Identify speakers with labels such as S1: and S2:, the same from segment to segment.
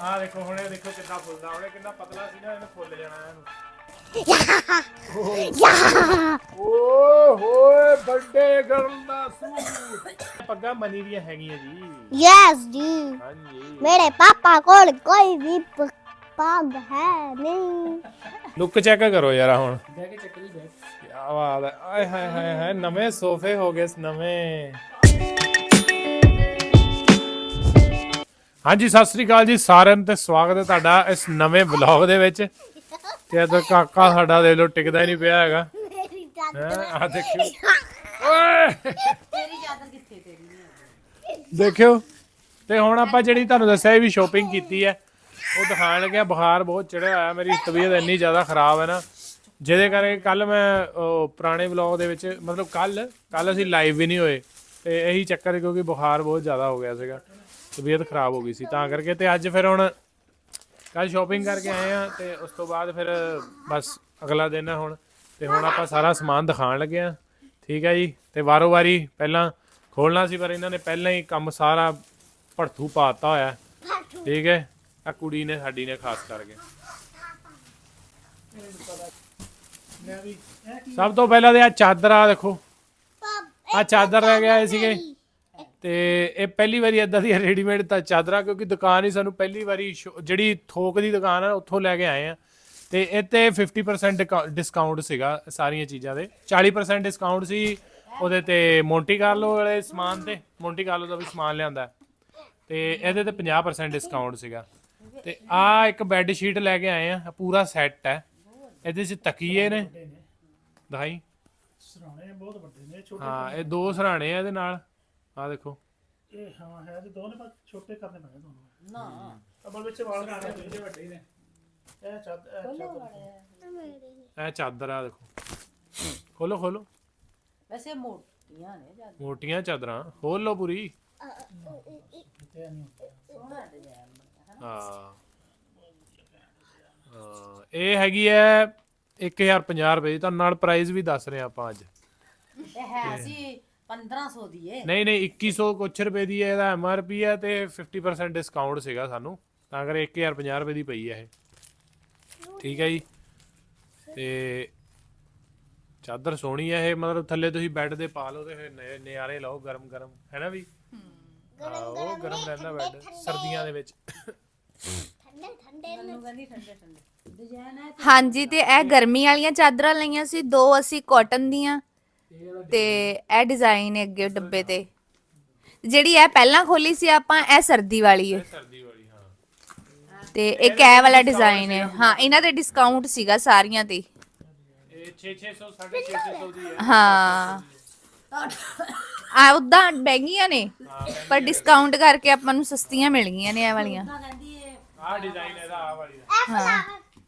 S1: ਆ ਦੇਖੋ ਹੁਣ ਇਹ ਦੇਖੋ ਕਿੰਨਾ ਫੁੱਲਦਾ ਉਹਨੇ ਕਿੰਨਾ ਪਤਲਾ ਸੀ ਨਾ ਇਹਨੇ ਫੁੱਲ ਜਾਣਾ ਇਹਨੂੰ ਓਏ ਹੋਏ ਵੱਡੇ ਗਰਲ ਦਾ ਸੂਟ ਪੱਗਾਂ ਮਨੀ ਦੀਆਂ ਹੈਗੀਆਂ ਜੀ
S2: यस जी
S1: ਹਾਂਜੀ
S2: मेरे पापा को कोई भी पग है नहीं
S1: ਲੁੱਕ ਚੈੱਕ ਕਰੋ ਯਾਰ ਹੁਣ ਬਹਿ ਕੇ ਚੱਕ ਲਈ ਬੈਠ ਕੀ ਬਾਤ ਹੈ ਆਏ ਹਾਏ ਹਾਏ ਹਾਏ ਨਵੇਂ ਸੋਫੇ ਹੋ ਗਏ ਨਵੇਂ ਹਾਂਜੀ ਸਤਿ ਸ੍ਰੀ ਅਕਾਲ ਜੀ ਸਾਰਿਆਂ ਨੂੰ ਤੇ ਸਵਾਗਤ ਹੈ ਤੁਹਾਡਾ ਇਸ ਨਵੇਂ ਵਲੌਗ ਦੇ ਵਿੱਚ ਤੇ ਇਧਰ ਕਾਕਾ ਸਾਡਾ ਦੇਖ ਲਓ ਟਿਕਦਾ ਹੀ ਨਹੀਂ ਪਿਆ ਹੈਗਾ
S2: मेरी
S1: ਆ ਦੇਖਿਓ ਓਏ
S3: ਤੇਰੀ ਚਾਦਰ ਕਿੱਥੇ ਤੇਰੀ
S1: ਦੇਖਿਓ ਤੇ ਹੁਣ ਆਪਾਂ ਜਿਹੜੀ ਤੁਹਾਨੂੰ ਦੱਸਿਆ ਵੀ ਸ਼ੋਪਿੰਗ ਕੀਤੀ ਹੈ ਉਹ ਦਿਖਾਣ ਲੱਗਿਆ ਬੁਖਾਰ ਬਹੁਤ ਚੜਿਆ ਹੋਇਆ ਮੇਰੀ ਤਬੀਅਤ ਇੰਨੀ ਜ਼ਿਆਦਾ ਖਰਾਬ ਹੈ ਨਾ ਜਿਹਦੇ ਕਰਕੇ ਕੱਲ ਮੈਂ ਪੁਰਾਣੇ ਵਲੌਗ ਦੇ ਵਿੱਚ ਮਤਲਬ ਕੱਲ ਅਸੀਂ ਲਾਈਵ ਵੀ ਨਹੀਂ ਹੋਏ ਤੇ ਇਹੀ ਚੱਕਰ ਕਿਉਂਕਿ ਬੁਖਾਰ ਬਹੁਤ ਜ਼ਿਆਦਾ ਹੋ ਗਿਆ ਸੀਗਾ ਤਬੀਅਤ ਖਰਾਬ ਹੋ ਗਈ ਸੀ ਤਾਂ ਕਰਕੇ ਤੇ ਅੱਜ ਫਿਰ ਹੁਣ ਕੱਲ ਸ਼ੋਪਿੰਗ ਕਰਕੇ ਆਏ ਆ ਤੇ ਉਸ ਤੋਂ ਬਾਅਦ ਫਿਰ ਬਸ ਅਗਲਾ ਦਿਨ ਹੈ ਹੁਣ ਤੇ ਹੁਣ ਆਪਾਂ ਸਾਰਾ ਸਮਾਨ ਦਿਖਾਣ ਲੱਗੇ ਆ ਠੀਕ ਹੈ ਜੀ ਤੇ ਵਾਰੋ ਵਾਰੀ ਪਹਿਲਾਂ ਖੋਲਣਾ ਸੀ ਪਰ ਇਹਨਾਂ ਨੇ ਪਹਿਲਾਂ ਹੀ ਕੰਮ ਸਾਰਾ ਭੜਥੂ ਪਾਤਾ ਹੋਇਆ ਠੀਕ ਹੈ ਆ ਕੁੜੀ ਨੇ ਸਾਡੀ ਨੇ ਖਾਸ ਕਰਕੇ ਸਭ ਤੋਂ ਪਹਿਲਾਂ ਤੇ ਆ ਚਾਦਰ ਆ ਦੇਖੋ ਆ ਚਾਦਰ ਲੈ ਕੇ ਆਏ ਸੀਗੇ ਤੇ ਇਹ ਪਹਿਲੀ ਵਾਰੀ ਇਦਾਂ ਦੀ ਰੈਡੀਮੇਡ ਤਾਂ ਚਾਦਰਾਂ ਕਿਉਂਕਿ ਦੁਕਾਨ ਹੀ ਸਾਨੂੰ ਪਹਿਲੀ ਵਾਰੀ ਜਿਹੜੀ ਥੋਕ ਦੀ ਦੁਕਾਨ ਆ ਉੱਥੋਂ ਲੈ ਕੇ ਆਏ ਆ ਤੇ ਇੱਥੇ 50% ਡਿਸਕਾਊਂਟ ਸੀਗਾ ਸਾਰੀਆਂ ਚੀਜ਼ਾਂ ਦੇ 40% ਡਿਸਕਾਊਂਟ ਸੀ ਉਹਦੇ ਤੇ ਮੋਂਟੀ ਕਾਰਲੋ ਵਾਲੇ ਸਮਾਨ ਤੇ ਮੋਂਟੀ ਕਾਰਲੋ ਦਾ ਵੀ ਸਮਾਨ ਲਿਆਂਦਾ ਤੇ ਇਹਦੇ ਤੇ 50% ਡਿਸਕਾਊਂਟ ਸੀਗਾ ਤੇ ਆ ਇੱਕ ਬੈੱਡ ਸ਼ੀਟ ਲੈ ਕੇ ਆਏ ਆ ਪੂਰਾ ਸੈੱਟ ਹੈ ਇਹਦੇ 'ਚ ਤਕੀਏ ਨੇ ਦਿਖਾਈ
S4: ਸਰਾਣੇ ਬਹੁਤ ਵੱਡੇ ਨੇ ਛੋਟੇ
S1: ਹਾਂ ਇਹ ਦੋ ਸਰਾਣੇ ਆ ਇਹਦੇ ਨਾਲ ਆ ਦੇਖੋ
S4: ਇਹ ਹਾਂ ਹੈ ਤੇ ਦੋ ਨੇ ਪਰ ਛੋਟੇ ਕਰਨੇ ਪੈਣੇ ਤੁਹਾਨੂੰ
S3: ਨਾ
S4: ਅਬਲ ਵਿੱਚ ਵਾਲ ਕਰਨੇ ਪੈਣੇ ਵੱਡੇ ਨੇ ਇਹ
S1: ਇਹ ਚਾਦਰ ਆ ਦੇਖੋ ਖੋਲੋ ਖੋਲੋ
S3: ਵੈਸੇ ਮੋਟੀਆਂ ਨੇ ਜਿਆਦਾ
S1: ਮੋਟੀਆਂ ਚਾਦਰਾਂ ਖੋਲ ਲਓ ਪੂਰੀ
S4: ਕਿਤੇ ਨਹੀਂ
S3: ਸੋਹਣਾ ਡਿਜ਼ਾਈਨ ਬਣਿਆ
S1: ਹਾਂ ਇਹ ਹੈਗੀ ਹੈ 1050 ਰੁਪਏ ਦੀ ਤੁਹਾਨੂੰ ਨਾਲ ਪ੍ਰਾਈਸ ਵੀ ਦੱਸ ਰਹੇ ਆਪਾਂ ਅੱਜ
S3: ਇਹ ਹੈ ਸੀ 1500 ਦੀ ਏ
S1: ਨਹੀਂ 2100 ਕੁਛ ਰੁਪਏ ਦੀ ਹੈ ਇਹਦਾ MRP ਹੈ ਤੇ 50% ਡਿਸਕਾਊਂਟ ਸੀਗਾ ਸਾਨੂੰ ਤਾਂ ਕਰ 1050 ਰੁਪਏ ਦੀ ਪਈ ਹੈ ਇਹ ਠੀਕ ਹੈ ਜੀ ਤੇ ਚਾਦਰ ਸੋਹਣੀ ਹੈ ਇਹ ਮਤਲਬ ਥੱਲੇ ਤੁਸੀਂ ਬੈੱਡ ਦੇ ਪਾ ਲਓ ਤੇ ਫਿਰ ਨਜ਼ਾਰੇ ਲਓ ਗਰਮ ਗਰਮ ਹੈ ਨਾ ਵੀ ਉਹ ਗਰਮ ਰਹਿੰਦਾ ਬੈੱਡ ਸਰਦੀਆਂ ਦੇ ਵਿੱਚ
S2: ठंडे ठंडे
S3: ਮੈਨੂੰ ਕਹਿੰਦੀ ਠੰਡੇ ਠੰਡੇ ਡਿਜ਼ਾਈਨ ਹੈ
S5: ਹਾਂਜੀ ਤੇ ਇਹ ਗਰਮੀ ਵਾਲੀਆਂ ਚਾਦਰਾਂ ਲਈਆਂ ਸੀ ਦੋ ਅਸੀਂ ਕਾਟਨ ਦੀਆਂ ਤੇ ਇਹ ਡਿਜ਼ਾਈਨ ਹੈ ਅੱਗੇ ਡੱਬੇ ਤੇ ਜਿਹੜੀ ਇਹ ਪਹਿਲਾਂ ਖੋਲੀ ਸੀ ਆਪਾਂ ਇਹ ਸਰਦੀ ਵਾਲੀ ਹੈ
S1: ਸਰਦੀ ਵਾਲੀ ਹਾਂ
S5: ਤੇ ਇੱਕ ਇਹ ਵਾਲਾ ਡਿਜ਼ਾਈਨ ਹੈ ਹਾਂ ਇਹਨਾਂ ਤੇ ਡਿਸਕਾਊਂਟ ਸੀਗਾ ਸਾਰੀਆਂ ਤੇ
S1: ਇਹ 600 650 ਦੀ ਹੈ
S5: ਹਾਂ ਆ ਉਦਾਂ ਮਹਿੰਗੀਆਂ ਨੇ ਪਰ ਡਿਸਕਾਊਂਟ ਕਰਕੇ ਆਪਾਂ ਨੂੰ ਸਸਤੀਆਂ ਮਿਲ ਗਈਆਂ ਨੇ ਇਹ ਵਾਲੀਆਂ
S3: ਕਹਿੰਦੀ ਏ
S1: ਆਹ ਡਿਜ਼ਾਈਨ ਇਹਦਾ ਆਹ ਵਾਲੀ ਦਾ
S5: ਹਾਂ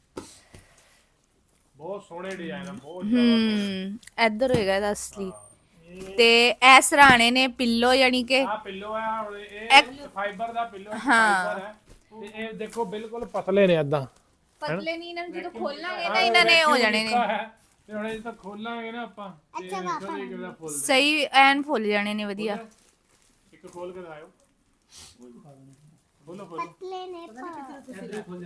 S1: ਬਹੁਤ ਸੋਹਣੇ ਡਿਜ਼ਾਈਨ ਆ ਬਹੁਤ
S5: ਇੱਧਰ ਹੋਏਗਾ ਇਹਦਾ ਅਸਲੀ ਤੇ ਇਹ ਸਰਾਣੇ ਨੇ ਪਿੱਲੋ ਯਾਨੀ ਕਿ
S1: ਆਹ ਪਿੱਲੋ ਆ ਹੁਣ ਇਹ ਫਾਈਬਰ ਦਾ ਪਿੱਲੋ ਫਾਈਬਰ ਹੈ ਤੇ ਇਹ ਦੇਖੋ ਬਿਲਕੁਲ ਪਤਲੇ ਨੇ ਏਦਾਂ
S5: ਪਤਲੇ ਨਹੀਂ ਇਹਨਾਂ ਨੂੰ ਜਦੋਂ ਖੋਲਾਂਗੇ ਨਾ ਇਹਨਾਂ ਨੇ ਹੋ ਜਾਣੇ ਨੇ
S1: ਤੇ ਹੁਣ ਇਹ ਤਾਂ ਖੋਲਾਂਗੇ ਨਾ ਆਪਾਂ ਤੇ ਦੇਖੋ ਜੀ ਕਿਵੇਂ ਫੁੱਲ
S5: ਸਹੀ ਐਨ ਫੁੱਲ ਜਾਣੇ ਨੇ ਵਧੀਆ
S1: ਇੱਕ ਖੋਲ ਕੇ ਦਿਖਾਓ ਖੋਲੋ ਖੋਲੋ
S2: पतले ने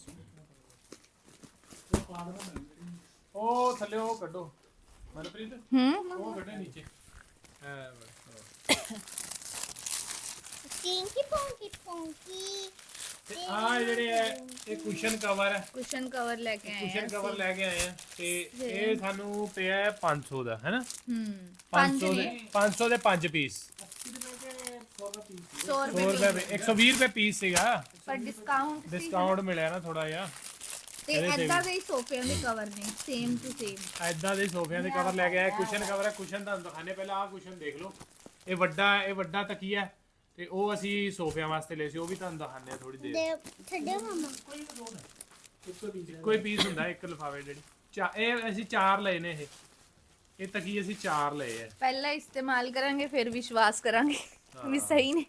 S1: ਉਹ ਥੱਲੇ ਉਹ ਕੱਢੋ ਮਨਪ੍ਰੀਤ ਉਹ ਕੱਢੇ ਨੀਚੇ
S2: पिंकी पोंकी
S1: ਤੇ ਆ ਜਿਹੜੇ ਹੈ ਇਹ ਕੁਸ਼ਨ ਕਵਰ ਹੈ
S5: ਕੁਸ਼ਨ ਕਵਰ ਲੈ ਕੇ ਆਏ
S1: ਕੁਸ਼ਨ ਕਵਰ ਲੈ ਕੇ ਆਏ ਆ ਤੇ ਇਹ ਸਾਨੂੰ ਪਿਆ ਹੈ 500 ਦਾ ਹੈ ਨਾ 500 ਦੇ 5 ਪੀਸ
S5: 100
S1: 100 ਰੁਪਏ 120 ਰੁਪਏ ਪੀਸ ਸੀਗਾ
S5: ਪਰ ਡਿਸਕਾਊਂਟ
S1: ਡਿਸਕਾਊਂਟ ਮਿਲਿਆ ਨਾ ਥੋੜਾ ਜਿਹਾ
S5: ਤੇ ਐਦਾਂ ਦੇ ਹੀ ਸੋਫਿਆਂ ਦੇ ਕਵਰ ਨੇ ਸੇਮ ਟੂ ਸੇਮ
S1: ਐਦਾਂ ਦੇ ਸੋਫਿਆਂ ਦੇ ਕਵਰ ਲੈ ਕੇ ਆਏ ਕੁਸ਼ਨ ਕਵਰ ਹੈ ਕੁਸ਼ਨ ਤੁਹਾਨੂੰ ਦਿਖਾਣੇ ਪਹਿਲਾਂ ਆਹ ਕੁਸ਼ਨ ਦੇਖ ਲਓ ਇਹ ਵੱਡਾ ਤਕੀਆ ਤੇ ਉਹ ਅਸੀਂ ਸੋਫਿਆਂ ਵਾਸਤੇ ਲਏ ਸੀ ਉਹ ਵੀ ਤੁਹਾਨੂੰ ਦਿਖਾਣੇ ਆ ਥੋੜੀ ਦੇਰ
S2: ठंडे मामा
S1: ਕੋਈ ਪੀਸ ਹੁੰਦਾ ਇੱਕ ਲਿਫਾਫੇ ਜਿਹੜੀ ਇਹ ਅਸੀਂ 4 ਲਏ ਨੇ ਇਹ ਤਕੀਏ ਅਸੀਂ 4 ਲਏ ਆ
S5: ਪਹਿਲਾਂ ਇਸਤੇਮਾਲ ਕਰਾਂਗੇ ਫਿਰ ਵਿਸ਼ਵਾਸ ਕਰਾਂਗੇ ਵੀ ਸਹੀ ਨੇ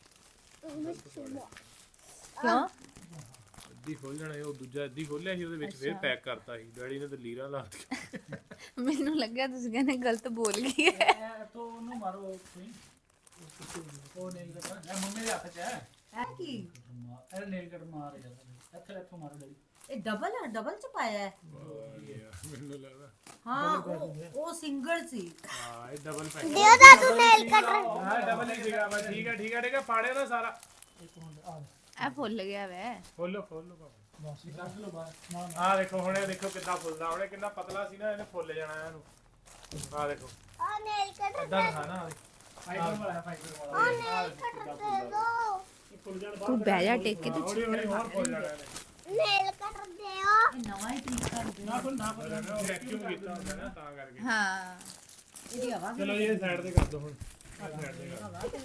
S5: ਕਿਉਂ
S1: ਅੱਧੀ ਖੋਲ ਜਾਣਾ ਉਹ ਦੂਜਾ ਅੱਧੀ ਖੋਲਿਆ ਸੀ ਉਹਦੇ ਵਿੱਚ ਫਿਰ ਪੈਕ ਕਰਤਾ ਸੀ ਡੈਡੀ ਨੇ ਤਾਂ ਲੀਰਾਂ ਲਾ ਦਿੱਤੀਆਂ
S5: ਮੈਨੂੰ ਲੱਗਿਆ ਤੁਸੀਂ ਕਹਿੰਦੇ ਗਲਤ ਬੋਲ ਗਈ ਹੈ
S4: ਇਹ ਤੋਂ ਉਹਨੂੰ ਮਾਰੋ ਕੋਈ ਉਹ ਨਹੀਂ ਕਰਦਾ ਇਹ ਮੰਮੀ ਦੇ ਹੱਥ 'ਚ ਹੈ
S3: ਇਹ ਕੀ
S4: ਇਹ ਨੇਲ ਕਟ ਮਾਰ ਜਾਂਦਾ ਇੱਥੋਂ ਮਾਰੋ ਡੈਡੀ
S3: ਇਹ ਡਬਲ ਚ ਪਾਇਆ ਹੈ
S1: ਮੈਨੂੰ ਲੱਗਦਾ
S3: ਹਾਂ ਉਹ ਸਿੰਗਲ ਸੀ
S1: ਹਾਂ ਇਹ ਡਬਲ ਪੈਕ
S2: ਦਿਓ ਦਾ ਤੂੰ ਨੇਲ ਕਟਰ
S1: ਹਾਂ ਡਬਲ ਹੀ ਸੀਗਾ ਬਸ ਠੀਕ ਹੈ ਪਾੜੇ ਨਾ ਸਾਰਾ
S5: ਇਹ ਫੁੱਲ ਗਿਆ ਵੈ
S1: ਖੋਲੋ ਬਾਬਾ
S4: ਬਸ ਕੱਢ ਲਓ ਬਾਹਰ ਨਾ
S1: ਆਹ ਦੇਖੋ ਹੁਣ ਇਹ ਦੇਖੋ ਕਿੰਨਾ ਫੁੱਲਦਾ ਹੁਣੇ ਕਿੰਨਾ ਪਤਲਾ ਸੀ ਨਾ ਇਹਨੇ ਫੁੱਲ ਜਾਣਾ ਇਹਨੂੰ ਆਹ ਦੇਖੋ
S2: ਆ ਨੇਲ ਕਟਰ
S1: ਇਦਾਂ ਦਿਖਾਣਾ
S4: ਫਾਈਬਰ ਵਾਲਾ
S2: ਨੇਲ ਕਟਰ ਦੇ ਦੋ
S4: ਫੁੱਲ ਜਾਣ
S5: ਤੂੰ ਬਹਿ ਜਾ ਟੇਕ ਕੇ ਤੂੰ
S1: ਹੌਲੀ ਹੌਲੀ ਹੋਰ ਫੁੱਲ ਜਾਣਾ ਇਹਨੇ
S2: ਨੇਲ ਕਟਰ ਦਿਓ
S3: ਇਹ ਨਵਾਂ ਹੀ ਤਰੀਕਾ ਹੈ
S4: ਨਾ ਫੁੱਲ
S1: ਵੈਕਿਊਮ ਕੀਤਾ ਹੁੰਦਾ ਨਾ ਤਾਂ ਕਰਕੇ
S5: ਹਾਂ
S3: ਇਹਦੀ ਹਵਾ ਵੀ
S1: ਚਲੋ ਜੀ ਇਹ ਸਾਈਡ ਤੇ ਕਰ ਦੋ ਹੁਣ ਆਹ ਸਾਈਡ ਤੇ ਕਰ ਦਿਓ।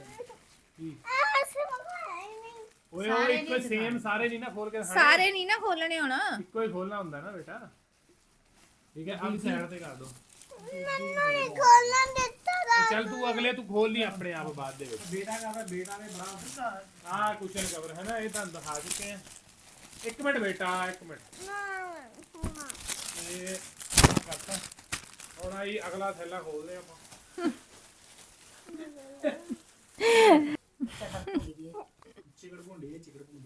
S2: ਆ ਸਮਝਾਇਆ ਨਹੀਂ
S1: ਓਏ ਓਏ ਇੱਕੋ ਸੇਮ ਸਾਰੇ ਨਹੀਂ ਨਾ ਖੋਲ ਕੇ ਦਿਖਾਣੇ
S5: ਸਾਰੇ ਨਹੀਂ ਨਾ ਖੋਲਣੇ ਹੁਣ
S1: ਇੱਕੋ ਹੀ ਖੋਲਣਾ ਹੁੰਦਾ ਨਾ ਬੇਟਾ ਠੀਕ ਹੈ ਆਹ ਸਾਈਡ ਤੇ ਕਰ ਦੋ
S2: ਮੈਨੂੰ ਨਹੀਂ ਖੋਲਣ ਦਿੱਤਾ ਦਾ
S1: ਚੱਲ ਤੂੰ ਅਗਲੇ ਤੂੰ ਖੋਲ ਲਈ ਆਪਣੇ ਆਪ ਬਾਅਦ ਦੇ ਵਿੱਚ
S4: ਬੇਟਾ ਨੇ ਬੜਾ ਦਿੱਤਾ
S1: ਆਹ ਕੁਸ਼ਨ ਕਵਰ ਹੈ ਨਾ ਇਹ ਤੁਹਾਨੂੰ ਦਿਖਾ ਚੁੱਕੇ ਆ ਇੱਕ ਮਿੰਟ ਬੇਟਾ ਇੱਕ ਮਿੰਟ ਇਹ ਆਹ ਕਰਤਾ ਹੁਣ ਆਈ ਅਗਲਾ ਥੈਲਾ ਖੋਲਦੇ ਆਪਾਂ
S4: ਚਿਕੜ ਭੁੰਡੀ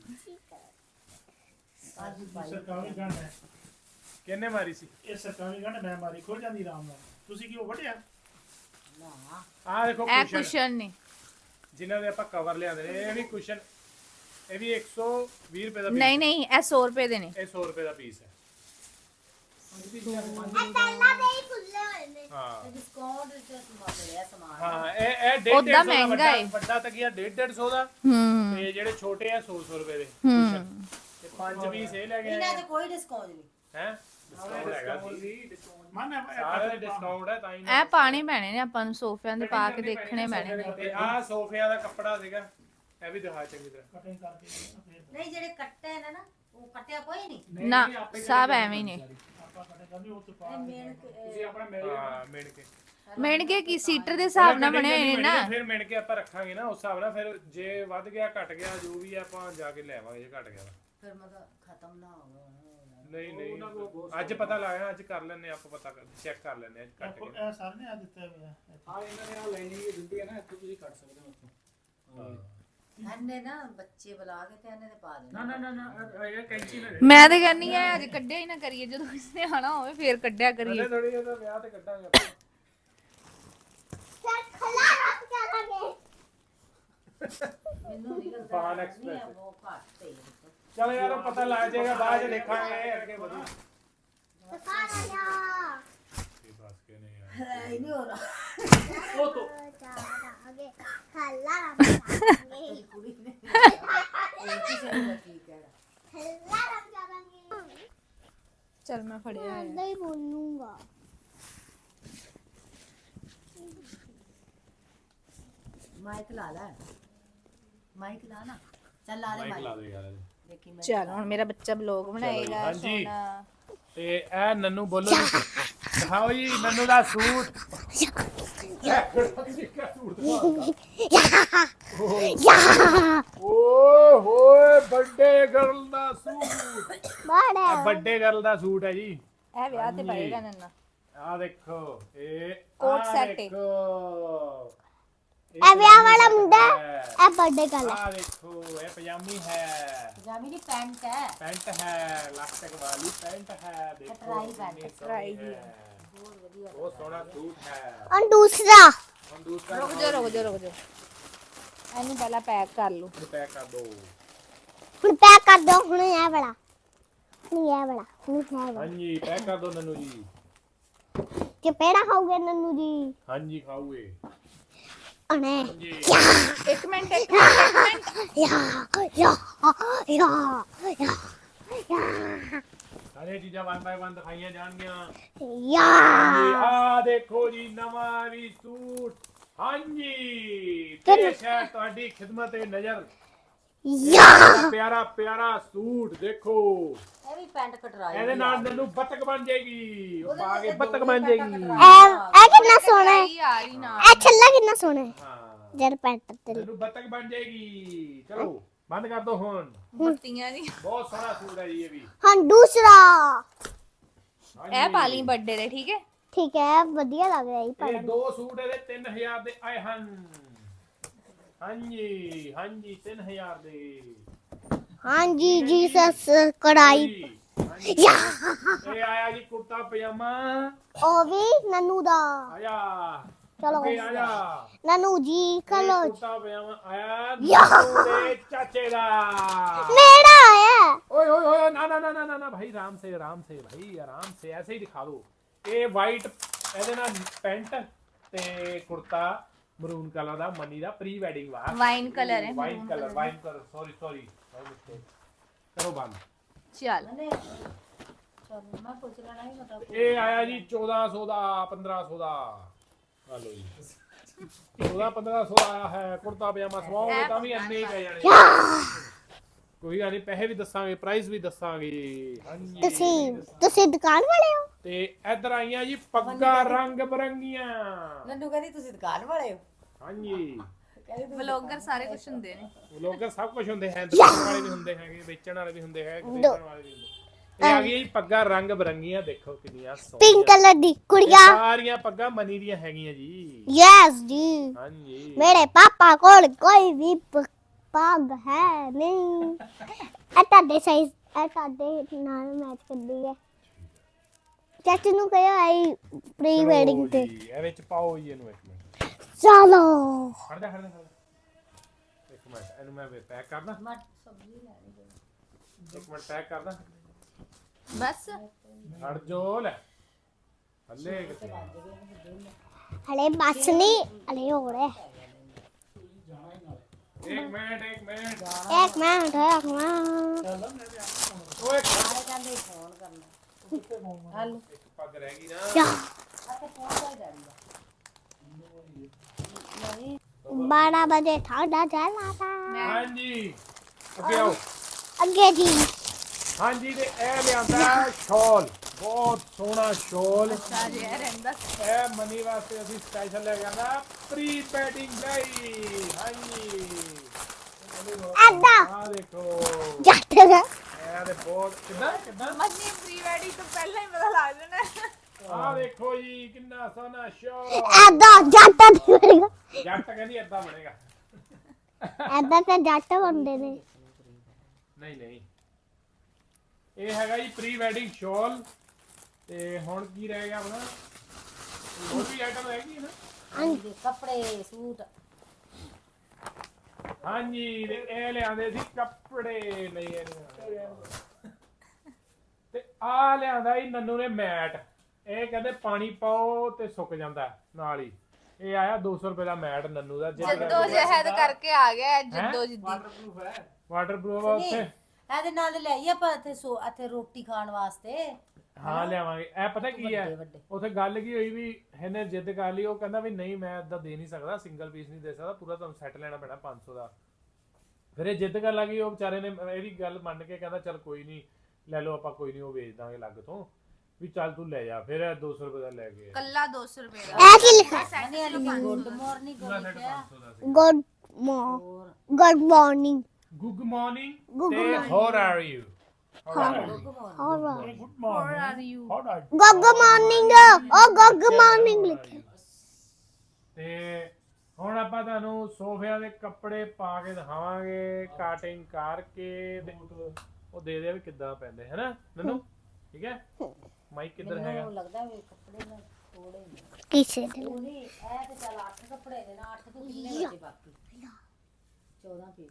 S3: ਕਾਜੂ ਪਾਈ
S4: ਸਰਕਾਰੀ ਗੰਢ ਹੈ
S1: ਕਿੰਨੇ ਮਾਰੀ ਸੀ
S4: ਇਹ ਸਰਕਾਰੀ ਗੰਢ ਮੈਂ ਮਾਰੀ ਖੁੱਲ ਜਾਂਦੀ ਆਰਾਮ ਨਾਲ ਤੁਸੀਂ ਕਿਉਂ ਵਟਿਆ
S3: ਨਾ
S1: ਆਹ ਦੇਖੋ
S5: ਇਹ
S1: ਕੁਸ਼ਨ
S5: ਕੁਸ਼ਨ ਨੇ
S1: ਜਿਨ੍ਹਾਂ ਦੇ ਆਪਾਂ ਕਵਰ ਲਿਆਂਦੇ ਨੇ ਇਹ ਵੀ ਕੁਸ਼ਨ ਇਹ ਵੀ 120 ਰੁਪਏ ਦਾ ਪੀਸ
S5: ਨਹੀਂ ਇਹ 100 ਰੁਪਏ ਦੇ ਨੇ
S1: ਇਹ 100 ਰੁਪਏ ਦਾ ਪੀਸ ਹੈ
S2: ਪਹਿਲਾਂ ਦੇ ਹੀ ਖੁੱਲੇ ਹੋਏ ਨੇ
S1: ਹਾਂ
S3: ਡਿਸਕਾਊਂਟ ਤੇ ਸਮਾਨ ਮਿਲਿਆ ਸਮਾਨ
S1: ਹਾਂ ਇਹ 150
S5: ਉੱਦਾਂ
S1: ਦਾ
S5: ਮਹਿੰਗਾ ਏ।
S1: ਵੱਡਾ ਤਕੀਆ 150 ਦਾ
S5: ਹੂੰ
S1: ਤੇ ਜਿਹੜੇ ਛੋਟੇ ਆ 100 ਰੁਪਏ ਦੇ
S5: ਹੂੰ
S1: ਤੇ 5 ਪੀਸ ਇਹ ਲੈ ਗਏ
S3: ਇਹਨਾਂ 'ਚ ਕੋਈ ਡਿਸਕਾਊਂਟ ਨਹੀਂ
S1: ਹੈ ਡਿਸਕਾਊਂਟ ਹੈਗਾ ਸੀ
S4: ਮਨ
S1: ਸਾਰੇ ਡਿਸਕਾਊਂਟ ਹੈ ਤਾਂ ਹੀ
S5: ਇਹ ਪਾਣੇ ਪੈਣੇ ਨੇ ਆਪਾਂ ਨੂੰ ਸੋਫਿਆਂ ਤੇ ਪਾ ਕੇ ਦੇਖਣੇ ਪੈਣੇ ਨੇ
S1: ਤੇ ਆਹ ਸੋਫਿਆਂ ਦਾ ਕੱਪੜਾ ਸੀਗਾ ਇਹ ਵੀ ਦਿਖਾ ਚੰਗੀ ਤਰ੍ਹਾਂ
S4: ਕਟਿੰਗ ਕਰਕੇ ਫੇਰ
S3: ਨਹੀਂ ਜਿਹੜੇ ਕੱਟੇ ਨੇ ਨਾ ਉਹ ਕੱਟਿਆ ਕੋਈ ਨਹੀਂ
S5: ਨਾ ਸਭ ਐਵੇਂ ਹੀ ਨੇ
S4: ਆਪਾਂ ਕਟਿੰਗ ਕਰਨੀ ਉਹ ਤੋਂ ਪਾ
S3: ਮੇਨ
S4: ਤੁਸੀਂ ਆਪਣਾ
S1: ਹਾਂ ਮਿਣ ਕੇ
S5: ਮਿਣ ਕੇ ਕੀ ਸੀਟਰ ਦੇ ਹਿਸਾਬ ਨਾਲ ਬਣੇ ਹੋਏ ਨੇ ਨਾ
S1: ਫਿਰ ਮਿਣ ਕੇ ਆਪਾਂ ਰੱਖਾਂਗੇ ਨਾ ਉਸ ਹਿਸਾਬ ਨਾਲ ਫਿਰ ਜੇ ਵੱਧ ਗਿਆ ਘਟ ਗਿਆ ਜੋ ਵੀ ਆ ਆਪਾਂ ਜਾ ਕੇ ਲੈ ਆਵਾਂਗੇ ਜੇ ਘਟ ਗਿਆ ਤਾਂ।
S3: ਫਿਰ ਮਤਲਬ ਖਤਮ ਨਾ ਹੋਵੇ
S1: ਨਹੀਂ ਅੱਜ ਪਤਾ ਲਾਇਆ ਅੱਜ ਕਰ ਲੈਣੇ ਆਪਾਂ ਪਤਾ ਚੈੱਕ ਕਰ ਲੈਣੇ ਅੱਜ ਘਟ ਗਿਆ
S4: ਇਹ ਸਾਰੇ ਨੇ ਆ ਦਿੱਤੇ ਹੋਏ ਆ ਇਹਨਾਂ ਨੇ ਆ ਲਾਈਨਿੰਗ ਦਿੱਤੀ ਹੈ ਨਾ ਇੱਥੇ ਤੁਸੀਂ ਕੱਟ ਸਕਦੇ ਹੋ ਉੱਥੋਂ
S3: ਇਹਨੇ ਨਾ ਬੱਚੇ ਬੁਲਾ ਕੇ ਤੇ ਇਹਨੇ ਤੇ ਪਾ ਦੇਣਾ
S4: ਨਾ ਇਹ ਕੈਂਚੀ ਨਾ
S5: ਮੈਂ ਤੇ ਕਹਿੰਨੀ ਆ ਅੱਜ ਕੱਢਿਆ ਹੀ ਨਾ ਕਰੀਏ ਜਦੋਂ ਕਿਸਨੇ ਆਣਾ ਹੋਵੇ ਫੇਰ ਕੱਢਿਆ ਕਰੀਏ
S1: ਥੋੜੀ ਜਿਹੀ ਵਿਆਹ ਤੇ ਕੱਢਾਂਗੇ ਆਪਾਂ
S2: ਫਿਰ ਖਲਾ ਰੱਖ ਕਰਾਂਗੇ
S3: ਮੈਨੂੰ ਨਹੀਂ ਲੱਗਦਾ
S1: ਫਾਨ
S3: ਨਹੀਂ
S1: ਐਕਸਪ੍ਰੈਸ
S3: ਹੈ, ਉਹ ਘੱਟ ਹੈ
S1: ਚਲੋ ਯਾਰ ਪਤਾ ਲੱਗ ਜਾਏਗਾ ਬਾਅਦ ਚ ਦੇਖਾਂਗੇ ਅੱਗੇ ਵਧੂ
S2: ਸਕਾਰਾ ਜਾ
S1: ਇਹ ਬਸ ਕੇ ਨਹੀਂ ਯਾਰ
S3: ਇਹ ਨਹੀਂ ਹੋ ਰਹਾ
S4: ਉਹ ਤੋਂ
S2: ਜਾਵਾਂਗੇ ਖਲਾ ਰੱਖ ਕਰਾਂਗੇ
S3: ਕੁੜੀ ਨੇ ਇਹ ਕਿਸੇ ਨੂੰ ਠੀਕ ਹੈ
S2: ਖਲਾ ਰੱਖ ਕਰਾਂਗੇ
S5: ਚਲ ਮੈਂ ਫੜਿਆ ਹੋਇਆ।
S2: ਏਦਾਂ ਹੀ ਬੋਲੂੰਗਾ
S3: ਮਾਈਕ ਲਾ ਲੈ ਮਾਈਕ ਲਾ ਨਾ ਚੱਲ ਲਾ ਲੈ
S1: ਮਾਈਕ ਲਾ
S3: ਮਾਈਕ
S1: ਦੇ ਯਾਰ
S3: ਦੇਖੀ ਮੈਂ
S5: ਚਲ ਹੁਣ ਮੇਰਾ ਬੱਚਾ ਬਲੌਗ ਬਣਾਏਗਾ
S1: ਹਾਂਜੀ।
S5: ਸੋਹਣਾ
S1: ਤੇ ਇਹ ਨੰਨੂ ਬੋਲੋ ਜੀ। ਦਿਖਾਓ ਜੀ ਨੰਨੂ ਦਾ ਸੂਟ ਓਏ ਹੋਏ ਵੱਡੇ ਗਰਲ ਦਾ ਸੂਟ
S2: ਬੜਾ
S1: ਇਹ ਵੱਡੇ ਗਰਲ ਦਾ ਸੂਟ ਹੈ ਜੀ
S5: ਇਹ ਵਿਆਹ ਤੇ ਪਾਏਗਾ ਨੰਨਾ
S1: ਆ ਦੇਖੋ ਇਹ
S5: ਕੋਟ
S1: ਆਹ
S5: ਸੈੱਟ ਏ।
S1: ਦੇਖੋ
S2: ਇਹ ਵਿਆਹ ਵਾਲਾ ਮੁੰਡਾ
S1: ਹੈ।
S2: ਇਹ ਬਰਥਡੇ ਗੱਲ ਹੈ
S1: ਆ ਦੇਖੋ ਇਹ ਪਜਾਮੀ ਹੈ
S3: ਪਜਾਮੀ ਨਹੀਂ ਪੈਂਟ ਹੈ
S1: ਪੈਂਟ ਹੈ ਲਾਸਟਿਕ ਵਾਲੀ ਪੈਂਟ ਹੈ ਦੇਖੋ
S3: ਟਰਾਈ ਪੈਂਟ,
S1: ਕਿੰਨੀ
S5: ਟਰਾਈ
S1: ਸੋਹਣੀ
S5: ਦੀ
S1: ਹੈ।
S3: ਬਹੁਤ ਵਧੀਆ
S1: ਬਹੁਤ ਸੋਹਣਾ ਸੂਟ ਹੈ
S2: ਔਰ ਦੂਸਰਾ
S1: ਹੁਣ ਦੂਸਰਾ
S5: ਰੁਕ ਜਾ ਇਹਨੂੰ ਪਹਿਲਾਂ ਪੈਕ ਕਰ ਲਓ
S1: ਪੈਕ ਕਰ ਦੋ
S2: ਹੁਣ ਪੈਕ ਕਰ ਦੋ ਹੁਣ ਇਹ ਵਾਲਾ ਹੁਣ ਇਹ ਵਾਲਾ ਹੁਣ ਇਹ ਵਾਲਾ
S1: ਹਾਂਜੀ ਪੈਕ ਕਰ ਦੋ ਨੰਨੂ ਜੀ
S2: ਕਿ ਪੇੜਾ ਖਾਓਗੇ ਨੰਨੂ ਜੀ
S1: ਹਾਂਜੀ ਖਾਓਗੇ
S2: ਅਣੇ
S1: ਹਾਂਜੀ
S5: ਇੱਕ ਮਿੰਟ
S2: ਯਾ ਯਾ ਯਾ ਯਾ
S1: ਸਾਰੇ ਚੀਜ਼ਾਂ 1 ਬਾਈ 1 ਦਿਖਾਈਆਂ ਜਾਣਗੀਆਂ
S2: ਯਾ
S1: ਹਾਂਜੀ ਆ ਦੇਖੋ ਜੀ ਨਵਾਂ ਵੀ ਸੂਟ ਹਾਂਜੀ ਪੇਸ਼ ਹੈ ਤੁਹਾਡੀ ਖਿਦਮਤ ਏ ਨਜ਼ਰ
S2: ਯਾ
S1: ਪਿਆਰਾ ਪਿਆਰਾ ਸੂਟ ਦੇਖੋ
S3: ਇਹ ਵੀ ਪੈਂਟ ਕਟਰਾਈ
S1: ਇਹਦੇ ਨਾਲ ਨੰਨੂ ਬੱਤਕ ਬਣ ਜਾਏਗੀ ਉਹ ਪਾ ਕੇ ਬੱਤਕ ਬਣ ਜਾਏਗੀ
S2: ਇਹ ਕਿੰਨਾ ਸੋਹਣਾ ਹੈ
S5: ਯਾਰ ਹੀ ਨਾ
S2: ਇਹ ਛੱਲਾ ਕਿੰਨਾ ਸੋਹਣਾ ਹੈ
S1: ਹਾਂ
S2: ਜਰ ਪੈਂਟ ਤੇ
S1: ਨੰਨੂ ਬੱਤਕ ਬਣ ਜਾਏਗੀ ਚਲੋ ਬੰਦ ਕਰ ਦੋ ਹੁਣ
S5: ਮੁੱਤੀਆਂ ਦੀ
S1: ਬਹੁਤ ਸੋਹਣਾ ਸੂਟ ਹੈ ਜੀ ਇਹ ਵੀ
S2: ਹਾਂ ਦੂਸਰਾ
S5: ਇਹ ਪਾ ਲਈ ਬਰਥਡੇ ਦੇ ਠੀਕ ਹੈ
S2: ਠੀਕ ਹੈ ਵਧੀਆ ਲੱਗ ਰਿਹਾ ਇਹ
S1: ਇਹ
S2: ਪੜਨ
S1: ਦੋ ਸੂਟ ਇਹਦੇ 3000 ਦੇ ਆਏ ਹਨ ਹਾਂਜੀ ਹਾਂਜੀ 3000 ਦੇ
S2: ਹਾਂਜੀ ਜੀਸਸ ਕੜਾਈ
S1: ਹਾਂਜੀ
S2: ਯਾ
S1: ਇਹ ਆਇਆ ਜੀ ਕੁੜਤਾ ਪਜਾਮਾ
S2: ਉਹ ਵੀ ਨਨੂ ਦਾ
S1: ਆਇਆ
S2: ਚਲੋ
S1: ਅੱਗੇ ਆਇਆ
S2: ਨਨੂ ਜੀ
S1: ਇਹ
S2: ਕਲੋ
S1: ਕੁੜਤਾ ਪਜਾਮਾ ਆਇਆ
S2: ਯਾ।
S1: ਨੰਨੂ ਦੇ ਚਾਚੇ ਦਾ
S2: मेरा है
S1: ओए ओए ओए ना ना ना ना ना ना भाई आराम से भाई आराम से ऐसे ही दिखा दो ਇਹ ਵਾਈਟ ਇਹਦੇ ਨਾਲ ਪੈਂਟ ਤੇ ਕੁੜਤਾ ਮਰੂਨ ਕਲਰ ਦਾ ਮਨੀ ਦਾ ਪ੍ਰੀ ਵੈਡਿੰਗ ਵਾ
S5: ਵਾਈਨ ਕਲਰ ਹੈ
S1: ਵਾਈਨ ਕਲਰ ਸੌਰੀ ਕਰੋ ਬੰਦ
S5: ਚੱਲ
S3: ਚਲ ਮੈਂ ਪੁੱਛ ਲੈਣਾ ਹੀ ਮਤਲਬ
S1: ਇਹ ਆਇਆ ਜੀ 1400 ਦਾ 1500 ਦਾ ਆ ਲਓ ਜੀ 1500 ਦਾ ਆਇਆ ਹੈ ਕੁੜਤਾ ਪਜਾਮਾ ਸਵਾਓਗੇ ਤਾਂ ਵੀ ਇੰਨੇ ਹੀ ਪੈ ਜਾਣੇ ਕੋਈ ਗੱਲ ਨਹੀਂ ਪੈਸੇ ਵੀ ਦੱਸਾਂਗੇ ਪ੍ਰਾਈਸ ਵੀ ਦੱਸਾਂਗੇ ਹਾਂਜੀ
S2: ਤੁਸੀਂ ਦੁਕਾਨ ਵਾਲੇ ਹੋ
S1: ਤੇ ਇੱਧਰ ਆਈਆਂ ਜੀ ਪੱਗਾਂ ਰੰਗ ਬਰੰਗੀਆਂ
S3: ਨੰਨੂ ਕਹਿੰਦੀ ਤੁਸੀਂ ਦੁਕਾਨ ਵਾਲੇ ਹੋ
S1: ਹਾਂਜੀ
S5: ਵਲੌਗਰ ਸਾਰੇ ਕੁਝ ਹੁੰਦੇ ਨੇ
S1: ਲੋਕਰ ਸਭ ਕੁਝ ਹੁੰਦੇ ਹੈ ਦੁਕਾਨ ਵਾਲੇ ਵੀ ਹੁੰਦੇ ਹੈਗੇ ਵੇਚਣ ਵਾਲੇ ਵੀ ਹੁੰਦੇ ਹੈ ਖਰੀਦਣ ਵਾਲੇ ਵੀ ਹੁੰਦੇ ਇਹ ਆ ਗਈ ਜੀ ਪੱਗਾਂ ਰੰਗ ਬਰੰਗੀਆਂ ਦੇਖੋ ਕਿੰਨੀਆਂ
S2: पिंक
S1: ਸੋਹਣੀਆਂ
S2: कलर दी
S1: ਇਹ
S2: कुड़िया
S1: ਸਾਰੀਆਂ ਪੱਗਾਂ ਮਨੀ ਦੀਆਂ ਹੈਗੀਆਂ ਜੀ
S2: यस जी
S1: ਹਾਂਜੀ
S2: मेरे पापा को कोई भी पग है नहीं ਤੁਹਾਡੇ ਸਾਈਜ਼ ਤੁਹਾਡੇ ਨਾਲ ਮੈਚ ਕਰਦੀ ਹੈ ਚਾਚੂ ਨੂੰ ਕਹਿਓ ਆਈ ਪ੍ਰੀ ਵੈਡਿੰਗ ਤੇ
S1: ਜੀ, ਇਹ ਵਿੱਚ ਪਾਓ ਜੀ ਇਹਨੂੰ ਇੱਕ ਮਿੰਟ
S2: ਚਲੋ
S1: ਖੜ ਜਾ ਇੱਕ ਮਿੰਟ ਇਹਨੂੰ ਮੈਂ ਪੈਕ ਕਰਦਾ
S3: ਮੈਂ ਸਬਜ਼ੀ ਲੈਣੀ
S1: ਇੱਕ ਮਿੰਟ ਪੈਕ ਕਰਦਾ
S5: ਬਸ
S1: ਖੜ ਜੋ ਲੈ ਹੱਲੇ ਕਿੱਥੇ
S2: ਹਲੇ ਬਸ ਨਹੀਂ ਹਲੇ ਹੋ ਰਿਹਾ
S1: ਇੱਕ ਮਿੰਟ
S2: ਇੱਕ ਮਿੰਟ
S1: ਓਏ
S3: ਸਾਰੇ ਕਹਿੰਦੇ ਫੋਨ ਕਰਨਾ ਹਲ
S1: ਇੱਕ ਪੱਗ ਰਹਿ ਗਈ ਨਾ
S2: ਯਾ
S3: ਅੱਛਾ ਫੋਨ ਕਰ ਜਾਂਦਾ
S2: 12 ਵਜੇ ਠੰਡਾ ਚੱਲਣਾ था
S1: ਹਾਂਜੀ ਅੱਗੇ ਆਓ
S2: ਅੱਗੇ ਜੀ
S1: ਹਾਂਜੀ ਤੇ ਇਹ ਲਿਆਂਦਾ ਸ਼ਾਲ ਬਹੁਤ ਸੋਹਣਾ ਸ਼ਾਲ
S5: ਸਾਜੇ ਰਹਿੰਦਾ
S1: ਇਹ ਮਨੀ ਵਾਸਤੇ ਅਸੀਂ ਸਪੈਸ਼ਲ ਲੈ ਕੇ ਆਂਦਾ ਪ੍ਰੀ ਵੈਡਿੰਗ ਲਈ ਹਾਂਜੀ
S2: ਅੱਦਾ
S1: ਆ ਦੇਖੋ
S2: ਜੱਟ ਦਾ
S1: ਇਹ ਤੇ ਬਹੁਤ ਕਿੱਦਾਂ
S5: ਮਨੀ ਪ੍ਰੀ ਵੈਡਿੰਗ ਤੋਂ ਪਹਿਲਾਂ ਹੀ ਪਤਾ ਲੱਗ ਜਾਣਾ
S1: ਆ ਦੇਖੋ ਜੀ ਕਿੰਨਾ ਸੋਹਣਾ ਸ਼ਾਲ
S2: ਅੱਦਾ ਜੱਟ ਦੀ ਬਣੇਗਾ
S1: ਜੱਟ ਕਹਿੰਦੀ ਏਦਾਂ ਬਣੇਗਾ
S2: ਐਦਾਂ ਤਾਂ ਜੱਟ ਬੰਦੇ ਨੇ
S1: ਨਹੀਂ ਇਹ ਹੈਗਾ ਜੀ ਪ੍ਰੀ ਵੈਡਿੰਗ ਸ਼ਾਲ ਤੇ ਹੁਣ ਕੀ ਰਹਿ ਗਿਆ ਆਪਣਾ ਹੋਰ ਵੀ ਆਈਟਮ ਰਹਿ ਗਈ ਨਾ
S3: ਹਾਂਜੀ ਕੱਪੜੇ ਸੂਟ
S1: ਹਾਂਜੀ ਤੇ ਇਹ ਲਿਆਂਦੇ ਸੀ ਕੱਪੜੇ ਨਹੀਂ ਇਹ ਨਹੀਂ ਤੇ ਆ ਲਿਆਂਦਾ ਜੀ ਨੰਨੂ ਨੇ ਮੈਟ ਇਹ ਕਹਿੰਦੇ ਪਾਣੀ ਪਾਓ ਤੇ ਸੁੱਕ ਜਾਂਦਾ ਨਾਲ ਹੀ ਇਹ ਆਇਆ 200 ਰੁਪਏ ਦਾ ਮੈਟ ਨੰਨੂ ਦਾ
S5: ਜੱਦੋ ਜਹਿਦ ਕਰਕੇ ਆ ਗਿਆ ਜੱਦੋ ਜਿੱਦੀ
S4: ਵਾਟਰਪ੍ਰੂਫ ਹੈ
S1: ਵਾਟਰਪ੍ਰੂਫ ਆ ਉੱਥੇ
S3: ਇਹਦੇ ਨਾਲ ਲਈ ਆਪਾਂ ਇੱਥੇ ਰੋਟੀ ਖਾਣ ਵਾਸਤੇ
S1: ਹਾਂ ਲਿਆਵਾਂਗੇ ਇਹ ਪਤਾ ਕੀ ਹੈ
S3: ਵੱਡੇ।
S1: ਉੱਥੇ ਗੱਲ ਕੀ ਹੋਈ ਵੀ ਇਹਨੇ ਜਿੱਦ ਕਰ ਲਈ ਉਹ ਕਹਿੰਦਾ ਵੀ ਨਹੀਂ ਮੈਂ ਇਦਾਂ ਦੇ ਨਹੀਂ ਸਕਦਾ ਸਿੰਗਲ ਪੀਸ ਨਹੀਂ ਦੇ ਸਕਦਾ ਪੂਰਾ ਤੁਹਾਨੂੰ ਸੈੱਟ ਲੈਣਾ ਪੈਣਾ 500 ਦਾ ਫਿਰ ਇਹ ਜਿੱਦ ਕਰਨ ਲੱਗੀ ਉਹ ਵਿਚਾਰੇ ਨੇ ਇਹਦੀ ਗੱਲ ਮੰਨ ਕੇ ਕਹਿੰਦਾ ਚੱਲ ਕੋਈ ਨਹੀਂ ਲੈ ਲਓ ਆਪਾਂ ਕੋਈ ਨਹੀਂ ਉਹ ਵੇਚ ਦਾਂਗੇ ਲੱਗ ਤੋਂ ਵੀ ਚੱਲ ਤੂੰ ਲੈ ਜਾ ਫਿਰ ਇਹ 200 ਰੁਪਏ ਦਾ ਲੈ ਕੇ
S5: ਕੱਲਾ 200 ਰੁਪਏ ਦਾ
S2: ਇਹ ਕੀ ਲਿਖਿਆ
S3: ਗੁੱਡ ਮਾਰਨਿੰਗ ਲਿਖਿਆ
S2: good good morning
S1: good morning ਤੇ how are you
S2: alright
S1: good
S5: How are you?
S2: Good morning ਉਹ ਗੁੱਡ ਮਾਰਨਿੰਗ ਲਿਖਿਆ
S1: ਤੇ ਹੁਣ ਆਪਾਂ ਤੁਹਾਨੂੰ ਸੋਫਿਆਂ ਦੇ ਕੱਪੜੇ ਪਾ ਕੇ ਦਿਖਾਵਾਂਗੇ ਕਟਿੰਗ ਕਰਕੇ ਤੇ ਉਹ ਦੇ ਦੇ ਵੀ ਕਿੱਦਾਂ ਪੈਂਦੇ ਹੈਨਾ ਨਨੂ ਠੀਕ ਹੈ ਮਾਈਕ ਕਿੱਧਰ ਹੈਗਾ
S3: ਮੈਨੂੰ ਲੱਗਦਾ ਵੀ ਕੱਪੜੇ ਨਾਲ ਥੋੜੇ ਨੇ
S2: ਕਿਸੇ ਦੇ
S3: ਉਹਦੀ ਇਹ ਤੇ ਚੱਲ 8 ਕੱਪੜੇ ਨੇ ਨਾ 8 ਤੋਂ ਕਿੰਨੇ ਬਚੇ ਬਾਕੀ 14 ਪੀਸ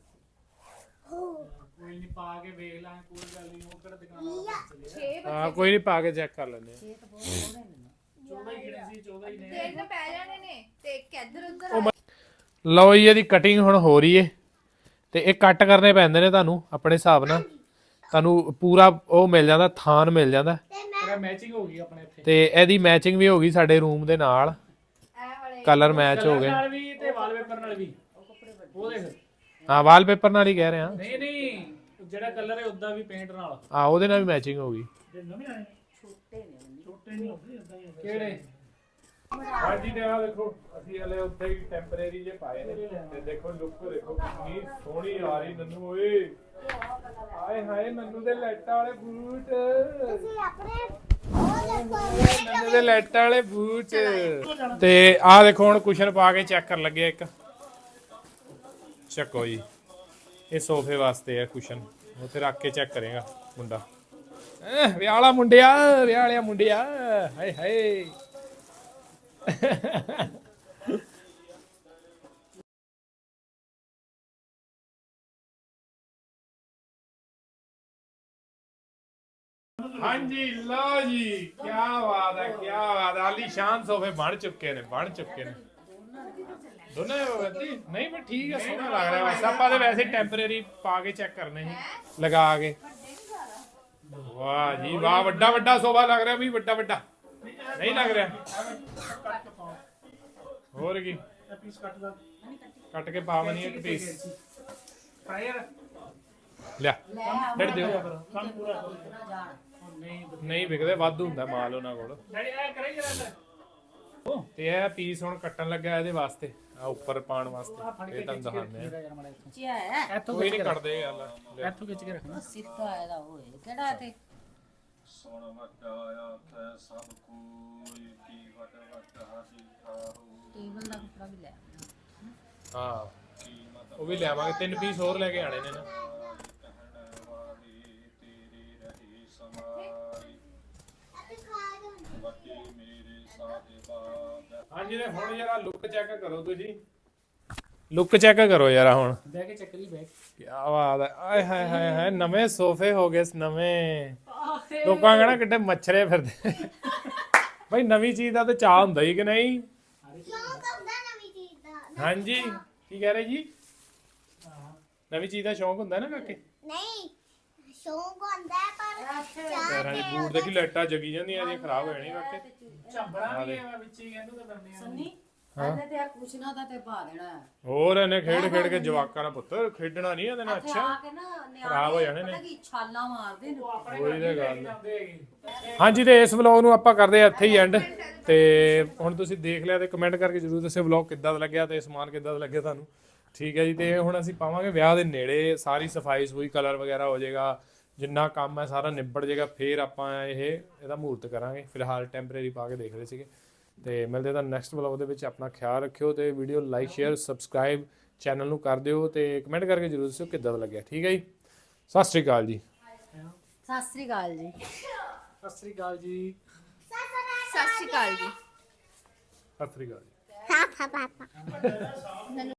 S4: ਕੋਈ ਨਹੀਂ ਪਾ ਕੇ ਵੇਖ ਲਾਂ ਕੋਈ ਗੱਲ ਨਹੀਂ ਉਹ ਕਿਹੜਾ ਦੁਕਾਨ ਵਾਲਾ ਚੱਲੇ
S1: ਹਾਂ ਕੋਈ ਨਹੀਂ ਪਾ ਕੇ ਚੈੱਕ ਕਰ ਲੈਂਦੇ
S3: ਇਹ ਤਾਂ ਬਹੁਤ ਥੋੜੇ ਨੇ
S4: 14 ਹੀ ਗਿਣੇ ਸੀ 14 ਹੀ ਨੇ
S5: ਤਿੰਨ ਪੈ ਜਾਣੇ ਨੇ ਤੇ ਇੱਕ ਇੱਧਰ ਉੱਧਰ
S1: ਲਓ ਜੀ ਇਹਦੀ ਕਟਿੰਗ ਹੁਣ ਹੋ ਰਹੀ ਏ ਤੇ ਇਹ ਕੱਟ ਕਰਨੇ ਪੈਂਦੇ ਨੇ ਤੁਹਾਨੂੰ ਆਪਣੇ ਹਿਸਾਬ ਨਾਲ ਤੁਹਾਨੂੰ ਪੂਰਾ ਉਹ ਮਿਲ ਜਾਂਦਾ ਥਾਨ ਮਿਲ ਜਾਂਦਾ
S4: ਤੇਰਾ ਮੈਚਿੰਗ ਹੋ ਗਈ ਆਪਣੇ ਇੱਥੇ
S1: ਤੇ ਇਹਦੀ ਮੈਚਿੰਗ ਵੀ ਹੋ ਗਈ ਸਾਡੇ ਰੂਮ ਦੇ ਨਾਲ ਕਲਰ ਮੈਚ ਹੋ ਗਏ
S4: ਨਾਲ ਵੀ ਤੇ ਵਾਲਪੇਪਰ ਨਾਲ ਵੀ ਉਹ ਦੇਖ
S1: ਹਾਂ ਵਾਲਪੇਪਰ ਨਾਲ ਹੀ ਕਹਿ ਰਹੇ ਹਾਂ
S4: ਨਹੀਂ ਜਿਹੜਾ ਕਲਰ ਹੈ ਉਦਾਂ ਵੀ ਪੇਂਟ ਨਾਲ
S1: ਆ ਉਹਦੇ ਨਾਲ ਵੀ ਮੈਚਿੰਗ ਹੋ ਗਈ
S4: ਜੇ ਨਵੇਂ ਆਏ ਛੋਟੇ ਨਹੀਂ ਹੁੰਦੇ ਇਦਾਂ ਹੀ ਕਿਹੜੇ
S1: ਹਾਂਜੀ ਤੇ ਆ ਦੇਖੋ ਅਸੀਂ ਹਲੇ ਉੱਥੇ ਹੀ ਟੈਂਪਰੇਰੀ ਜੇ ਪਾਏ ਨੇ ਤੇ ਦੇਖੋ ਲੁੱਕ ਦੇਖੋ ਕਿੰਨੀ ਸੋਹਣੀ ਆ ਰਹੀ ਨੰਨੂ ਓਏ ਆਏ ਹਾਏ ਨੰਨੂ ਦੇ ਲਾਈਟਾਂ ਵਾਲੇ ਬੂਟ
S2: ਤੁਸੀਂ ਆਪਣੇ ਉਹ ਦੇਖੋ
S1: ਨੰਨੂ ਦੇ ਲਾਈਟਾਂ ਵਾਲੇ ਬੂਟ ਤੇ ਆ ਦੇਖੋ ਹੁਣ ਕੁਸ਼ਨ ਪਾ ਕੇ ਚੈੱਕ ਕਰਨ ਲੱਗੇ ਇੱਕ ਚੱਕੋ ਜੀ, ਇਹ ਸੋਫੇ ਵਾਸਤੇ ਹੈ ਕੁਸ਼ਨ, ਉੱਥੇ ਰੱਖ ਕੇ ਚੈੱਕ ਕਰੇਗਾ ਮੁੰਡਾ। ਵਿਆਹ ਵਾਲਾ ਮੁੰਡਿਆ, ਵਿਆਹ ਵਾਲਿਆ ਮੁੰਡਿਆ, ਹਾਏ ਹਾਏ। ਹਾਂਜੀ ਲਓ ਜੀ, ਕੀ ਬਾਤ ਹੈ, ਕੀ ਬਾਤ ਹੈ। ਆਲੀਸ਼ਾਨ ਸੋਫੇ ਬਣ ਚੁੱਕੇ ਨੇ, ਬਣ ਚੁੱਕੇ ਨੇ ਦੋਨੇ। ਨਹੀਂ ਮੈਂ ਠੀਕ ਹੈ, ਸੋਹਣਾ ਲੱਗ ਰਿਹਾ। ਵੈਸੇ ਆਪਾਂ ਦੇ ਵੈਸੇ ਟੈਂਪਰੇਰੀ ਪਾ ਕੇ ਚੈੱਕ ਕਰਨੇ ਸੀ ਲਗਾ ਕੇ। ਵਾਹ ਜੀ ਵਾਹ, ਵੱਡਾ ਵੱਡਾ ਸੋਫਾ ਲੱਗ ਰਿਹਾ ਵੀ, ਵੱਡਾ ਵੱਡਾ ਨਹੀਂ ਲੱਗ ਰਿਹਾ। ਹੋਰ ਕੀ
S4: ਪੀਸ ਕੱਟ ਦਾ
S1: ਕੱਟ ਕੇ ਪਾਵਣੀ ਇੱਕ ਪੀਸ
S4: ਫਾਇਰ
S1: ਲਿਆ ਡੜ ਦਿਓ।
S4: ਕੰਮ ਪੂਰਾ ਕਰੋ। ਨਹੀਂ
S1: ਨਹੀਂ ਵਿਕਦੇ, ਵਾਧੂ ਹੁੰਦਾ ਮਾਲ ਉਹਨਾਂ ਕੋਲ।
S4: ਡੈਡੀ ਐ ਕਰਾਈ ਜਰਾ
S1: ਤੇ ਇਹ ਪੀਸ ਹੁਣ ਕੱਟਣ ਲੱਗਾ ਇਹਦੇ ਵਾਸਤੇ, ਆ ਉੱਪਰ ਪਾਉਣ ਵਾਸਤੇ। ਇਹ ਤੁਹਾਨੂੰ ਦਿਖਾਉਂਦੇ ਆ,
S4: ਯਾਰ ਮਾੜਾ ਇੱਥੋਂ
S3: ਚਿਆ ਹੈ
S4: ਇੱਥੋਂ
S1: ਕੋਈ ਨਹੀਂ ਕੱਟਦੇ ਗੱਲ।
S4: ਇੱਥੋਂ ਖਿੱਚ ਕੇ ਰੱਖਣਾ।
S3: ਸਿੱਧਾ ਇਹਦਾ ਹੋਏ ਕਿਹੜਾ ਤੇ
S6: ਸੁਣ ਵੱਡਾ ਆਖੈ ਸਭ ਕੋਈ ਕੀ ਵੱਡ ਵੱਡ ਹਾਸੀ ਖਾਹੂ
S3: ਟੇਬਲ ਦਾ ਕੱਪੜਾ ਵੀ ਲੈ
S1: ਹਾਂ ਉਹ ਵੀ ਲਿਆਵਾਂਗੇ, 3 ਪੀਸ ਹੋਰ ਲੈ ਕੇ ਆਣੇ ਨੇ ਨਾ।
S6: ਕਹਿਣ ਵਾਲੀ ਤੇਰੀ ਰਹੀ ਸਮਾਈ ਵੱਡੀ ਮੇਰੇ ਸਾਹਿਬਾ।
S1: ਹਾਂਜੀ ਤੇ ਹੁਣ ਜਰਾ ਲੁੱਕ ਚੈੱਕ ਕਰੋ ਤੁਸੀਂ, ਲੁੱਕ ਚੈੱਕ ਕਰੋ ਯਾਰ ਹੁਣ।
S4: ਬਹਿ ਕੇ ਚੱਕਰੀ ਬੈਗ
S1: ਕੀ ਬਾਤ ਹੈ, ਆਏ ਹਾਏ ਹਾਏ ਹਾਏ, ਨਵੇਂ ਸੋਫੇ ਹੋ ਗਏ ਨਵੇਂ। ਲੋਕਾਂ ਕਹਿਣਾ ਕਿੱਡੇ ਮੱਛਰੇ ਫਿਰਦੇ। ਬਈ ਨਵੀਂ ਚੀਜ਼ ਦਾ ਤਾਂ ਚਾਹ ਹੁੰਦਾ ਹੀ ਕਿ ਨਹੀਂ?
S2: ਸ਼ੌਂਕ ਹੁੰਦਾ ਨਵੀਂ ਚੀਜ਼ ਦਾ।
S1: ਹਾਂਜੀ ਕੀ ਕਹਿ ਰਹੇ ਜੀ? ਨਵੀਂ ਚੀਜ਼ ਦਾ ਸ਼ੌਂਕ ਹੁੰਦਾ ਨਾ ਕਾਕੇ?
S2: ਨਹੀਂ ਸ਼ੌਂਕ ਹੁੰਦਾ ਹੈ, ਪਰ
S1: ਪੈਰਾਂ ਦੇ ਬੂਟ ਦੇਖੀ ਲਾਈਟਾਂ ਜਗੀ ਜਾਂਦੀਆਂ, ਜੇ ਖਰਾਬ ਹੋ ਜਾਣੀ ਕਾਕੇ।
S4: ਝੰਬੜਾ ਵੀ ਹੈ ਵਿੱਚ ਹੀ ਇਹਨੂੰ ਤਾਂ ਦੰਨੇ ਆ।
S3: ਸੰਨੀ ਇਹਨੇ ਤੇ ਆ ਕੁਸ਼ਨਾ ਦਾ ਤੇ ਪਾ ਦੇਣਾ ਹੈ।
S1: ਹੋਰ ਇਹਨੇ ਖੇਡ ਖੇਡ ਕੇ ਜਵਾਕਾਂ ਨਾਲ ਪੁੱਤ ਖੇਡਣਾ ਨਹੀਂ ਇਹਦੇ ਨਾਲ।
S3: ਇੱਥੇ
S1: ਅੱਛਾ
S3: ਆ ਕੇ ਨਾ
S1: ਖਰਾਬ ਹੋ ਜਾਣੇ ਨੇ।
S3: ਪਤਾ ਕੀ ਛਾਲਾਂ ਮਾਰਦੇ ਨੇ।
S1: ਉਹੀ ਤਾਂ ਗੱਲ ਹੈ। ਹਾਂਜੀ ਤੇ ਇਸ ਵਲੌਗ ਨੂੰ ਆਪਾਂ ਕਰਦੇ ਆ ਇੱਥੇ ਹੀ ਐਂਡ। ਤੇ ਹੁਣ ਤੁਸੀਂ ਦੇਖ ਲਿਆ ਤੇ ਕਮੈਂਟ ਕਰਕੇ ਜਰੂਰ ਦੱਸਿਓ ਵਲੌਗ ਕਿੱਦਾਂ ਦਾ ਲੱਗਿਆ ਤੇ ਸਮਾਨ ਕਿੱਦਾਂ ਦਾ ਲੱਗਿਆ ਤੁਹਾਨੂੰ। ਠੀਕ ਹੈ ਜੀ, ਤੇ ਹੁਣ ਅਸੀਂ ਪਾਵਾਂਗੇ ਵਿਆਹ ਦੇ ਨੇੜੇ, ਸਾਰੀ ਸਫਾਈ ਸੂਈ ਕਲਰ ਵਗੈਰਾ ਹੋ ਜਾਏਗਾ, ਜਿੰਨਾ ਕੰਮ ਹੈ ਸਾਰਾ ਨਿਬੜ ਜਾਏਗਾ, ਫਿਰ ਆਪਾਂ ਇਹਦਾ ਮਹੂਰਤ ਕਰਾਂਗੇ। ਫਿਲਹਾਲ ਟੈਂਪਰੇਰੀ ਪਾ ਕੇ ਦੇਖ ਰਹੇ ਸੀਗੇ। ਤੇ ਮਿਲਦੇ ਤਾਂ ਨੈਕਸਟ ਵਲੌਗ ਦੇ ਵਿੱਚ। ਆਪਣਾ ਖਿਆਲ ਰੱਖਿਓ ਤੇ video like share subscribe channel ਨੂੰ ਕਰ ਦਿਓ ਤੇ ਕਮੈਂਟ ਕਰਕੇ ਜਰੂਰ ਦੱਸਿਓ ਕਿੱਦਾਂ ਦਾ ਲੱਗਿਆ। ਠੀਕ ਹੈ ਜੀ, ਸਤਿ ਸ਼੍ਰੀ ਅਕਾਲ ਜੀ।
S3: ਸਤਿ ਸ੍ਰੀ ਅਕਾਲ ਜੀ।
S4: ਸਤਿ ਸ੍ਰੀ ਅਕਾਲ ਜੀ।
S5: ਸਤਿ ਸ਼੍ਰੀ ਅਕਾਲ ਜੀ।
S1: ਸਤਿ ਸ਼੍ਰੀ ਅਕਾਲ ਜੀ।
S2: ਪਾਪਾ